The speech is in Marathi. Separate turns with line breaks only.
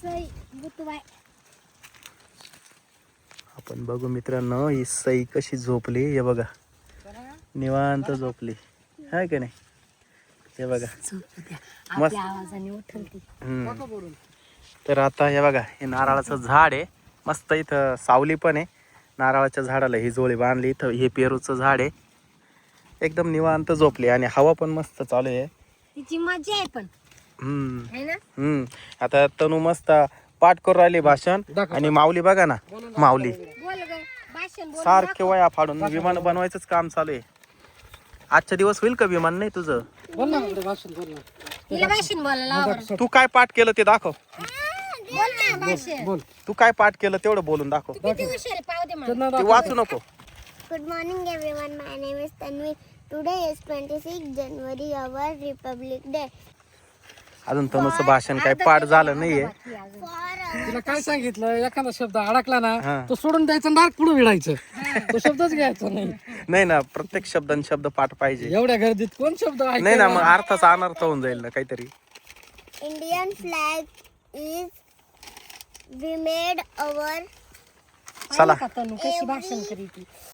आपण बघू मित्रांनो, ही सई कशी झोपली हे बघा, निवांत झोपली हाय का नाही. हे बघा मस्त.
आवाजाने उठलती.
तर आता हे बघा, हे नारळाचं झाड आहे मस्त, इथं सावली पण आहे. नारळाच्या झाडाला ही जोळी बांधली. इथं हे पेरूचं झाड आहे. एकदम निवांत झोपली आणि हवा पण मस्त चालू आहे.
तिची मजा आहे पण है ना.
आता तनू मस्त पाठ करून राहिली भाषण. आणि माऊली बघा ना, माऊली
बोल ग, भाषण बोल.
सारखे वया फाडून विमान बनवायचंच काम चालू आहे. आजचा दिवस होईल का विमान नाही तुझं?
तिला भाषण बोलायला आवडतं.
तू काय पाठ केलं ते दाखव.
बोल ना भाषण.
तू काय पाठ केलं तेवढं बोलून दाखव.
किती हुशार आहे, पाहू दे मला.
ते वाचू नको.
Good morning everyone, my name is Tanvi. Today is 26 January, our Republic Day.
अजून तनूचं भाषण काय पाठ झालं नाहीये.
तिला काय सांगितलं, एखादा शब्द अडकला ना
हा.
तो सोडून द्यायचा, डार्क पुढे विडायचं. तो शब्दच घ्यायचा नाही.
नाही ना, प्रत्येक शब्दान शब्द पाठ पाहिजे.
एवढ्या गर्दीत कोण शब्द
नाही ना, मग अर्थाचा अनर्थ होऊन जाईल ना काहीतरी.
Indian flag is we made our
चला
तनू कशी भाषण करीती.